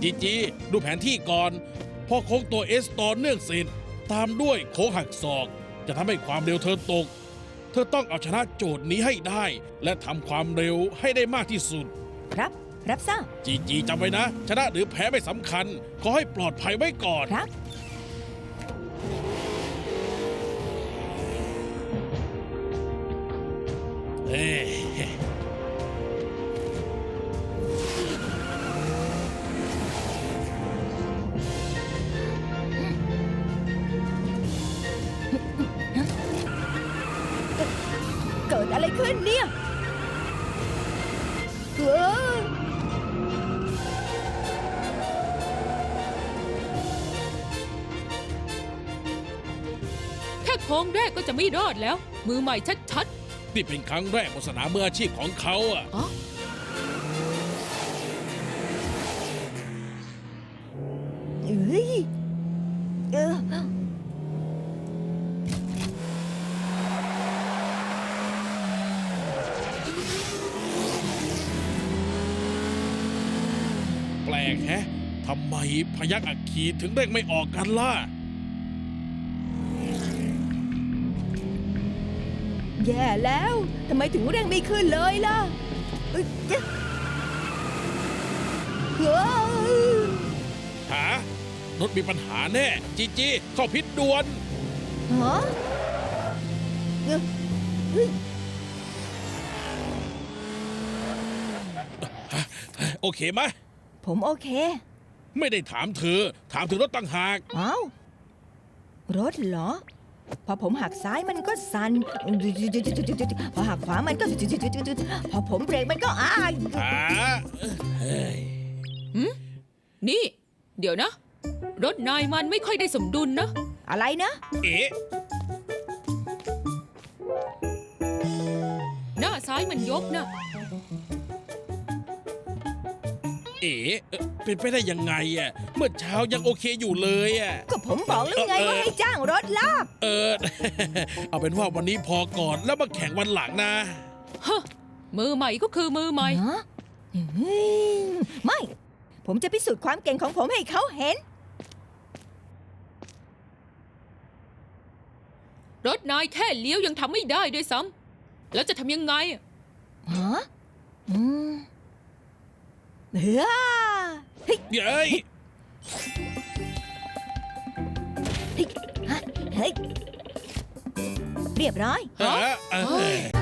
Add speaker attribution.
Speaker 1: จีดูแผนที่ก่อนพอโค้งตัว S ต่อเนื่องเสร็จตามด้วยโค้งหักศอกจะทำให้ความเร็วเธอตกเธอต้องเอาชนะโจทย์นี้ให้ได้และทำความเร็วให้ได้มากที่สุด
Speaker 2: ครับรับทราบ
Speaker 1: จีจำไว้นะ ชนะหรือแพ้ไม่สำคัญขอให้ปลอดภัยไว้ก่อน
Speaker 2: ครับ
Speaker 1: เอ้ย
Speaker 2: เกิดอะไรขึ้นเนี่ยเออ
Speaker 3: แค่โค้งแรกก็จะไม่รอดแล้ว มือใหม่ชัด
Speaker 1: นี่เป็นครั้งแรกบนสนามมืออาชีพของเขาอ่ะ
Speaker 3: ๆอ๋อ
Speaker 2: เอ้ยเออ
Speaker 1: แปลกแฮะทำไมพยัคฆ์อัคคีถึงเร่งไม่ออกกันล่ะ
Speaker 2: แย่แล้วทำไมถึงเร่งไม่ขึ้นเลยล่ะเอ้ยเจ๊ะเฮ้ย
Speaker 1: หารถมีปัญหาแน่ จีเข้าพิษด่วน
Speaker 2: ฮะเอ้ยเฮ้ย
Speaker 1: โอเคไหม
Speaker 2: ผมโอเค
Speaker 1: ไม่ได้ถามเธอ ถามถึงรถต่างหาก
Speaker 2: เอ้า รถเหรอ พอผมหักซ้ายมันก็สั่นพอหักขวามันก็พอผมเบรกมันก็
Speaker 1: หาเฮ้ย
Speaker 3: นี่ เดี๋ยวนะ รถนายมันไม่ค่อยได้สมดุลนะ
Speaker 2: อะไรนะ
Speaker 1: เอ๊ะ
Speaker 3: หน้าซ้ายมันยกนะ
Speaker 1: เป็นไปได้ยังไงอ่ะ เมื่อเช้ายังโอเคอยู่เลยอ่ะ
Speaker 2: ก็ผมบอกแล้วไงว่าให้จ้างรถลาก
Speaker 1: เอาเป็นว่าวันนี้พอก่อนแล้วมาแข่งวันหลังนะ
Speaker 3: ฮะ มือใหม่ก็คือมือใหม่
Speaker 2: ฮะไม่ ผมจะพิสูจน์ความเก่งของผมให้เขาเห็น
Speaker 3: รถนายแค่เลี้ยวยังทำไม่ได้ด้วยซ้ำแล้วจะทำยังไงอะ
Speaker 2: ฮะอืมเฮ้ยเฮ้ย
Speaker 1: เย้ย
Speaker 2: เฮ้ยฮะเฮ้ย เรียบร้อย
Speaker 1: เอ้ย